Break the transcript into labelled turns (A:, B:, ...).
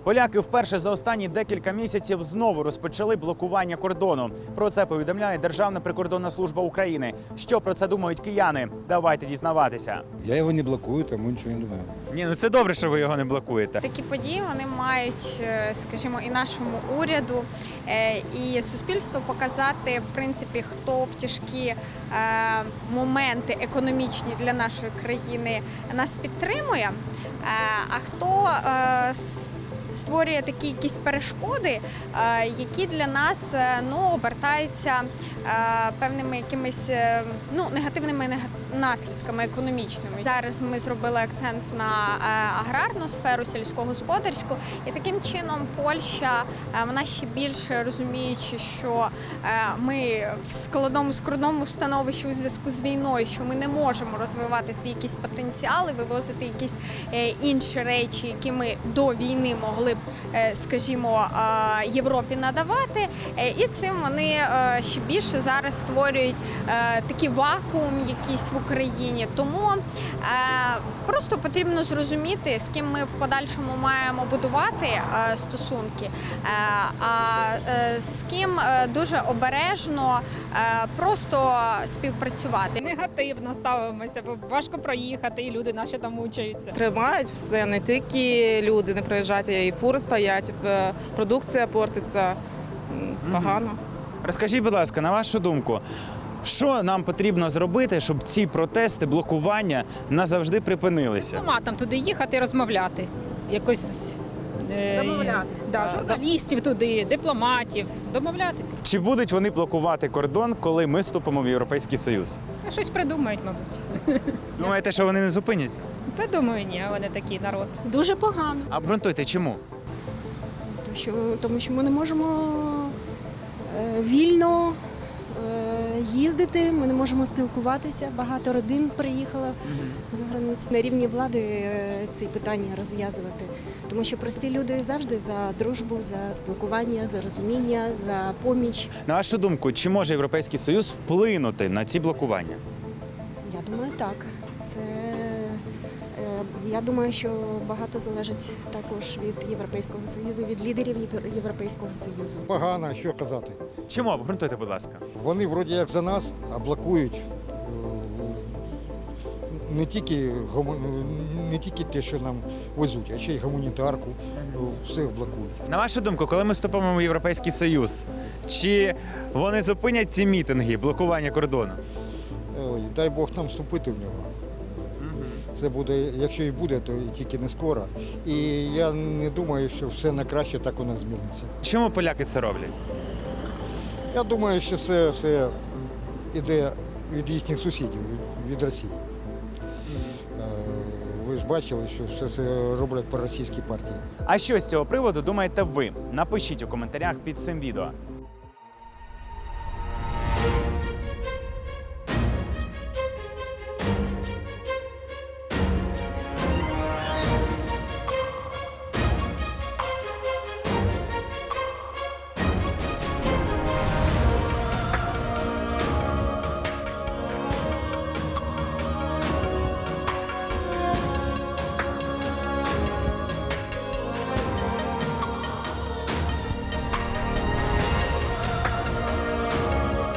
A: Поляки вперше за останні декілька місяців знову розпочали блокування кордону. Про це повідомляє Державна прикордонна служба України. Що про це думають кияни? Давайте дізнаватися.
B: Я його не блокую, тому нічого не думаю.
A: Ні, ну це добре, що ви його не блокуєте.
C: Такі події вони мають, скажімо, і нашому уряду, і суспільству показати, в принципі, хто в тяжкі моменти економічні для нашої країни нас підтримує, а хто створює такі якісь перешкоди, які для нас обертаються певними якимись негативними наслідками економічними. Зараз ми зробили акцент на аграрну сферу, сільськогосподарську, і таким чином Польща, вона ще більше розуміючи, що ми в складному становищі у зв'язку з війною, що ми не можемо розвивати свій якісь потенціали, вивозити якісь інші речі, які ми до війни могли б, скажімо, Європі надавати, і цим вони ще більше зараз створюють такий вакуум якийсь в Україні. Тому просто потрібно зрозуміти, з ким ми в подальшому маємо будувати стосунки, а з ким дуже обережно просто співпрацювати.
D: Негативно ставимося, бо важко проїхати, і люди наші там мучаються.
E: Тримають все, не тільки люди не приїжджають, і фури стоять, продукція портиться, погано.
A: Розкажіть, будь ласка, на вашу думку, що нам потрібно зробити, щоб ці протести, блокування назавжди припинилися?
D: Нема там туди їхати і розмовляти. Якось
E: Домовляти.
D: Журналістів туди, дипломатів. Домовлятися.
A: Чи будуть вони блокувати кордон, коли ми вступимо в Європейський Союз?
D: Щось придумають, мабуть.
A: Думаєте, що вони не зупиняться?
D: Та думаю, ні, вони такий народ.
F: Дуже погано,
A: Обґрунтуйте, чому?
F: тому що ми не можемо вільно їздити, ми не можемо спілкуватися. Багато родин приїхало за границю. На рівні влади ці питання розв'язувати, тому що прості люди завжди за дружбу, за спілкування, за розуміння, за поміч.
A: На вашу думку, чи може Європейський Союз вплинути на ці блокування?
F: Я думаю, так. Я думаю, що багато залежить також від Європейського Союзу, від лідерів Європейського Союзу.
G: Погано, що казати.
A: Чому? Обґрунтуйте, будь ласка.
G: Вони вроді як за нас, а блокують не тільки те, що нам везуть, а ще й гуманітарку, все блокують.
A: На вашу думку, коли ми вступимо в Європейський Союз, чи вони зупинять ці мітинги, блокування кордону?
G: Ой, дай Бог нам вступити в нього. Це буде, якщо і буде, то тільки не скоро. І я не думаю, що все на краще так у нас зміниться.
A: Чому поляки це роблять?
G: Я думаю, що це все йде від їхніх сусідів, від Росії. Ви ж бачили, що все це роблять по російській партії.
A: А що з цього приводу думаєте ви? Напишіть у коментарях під цим відео.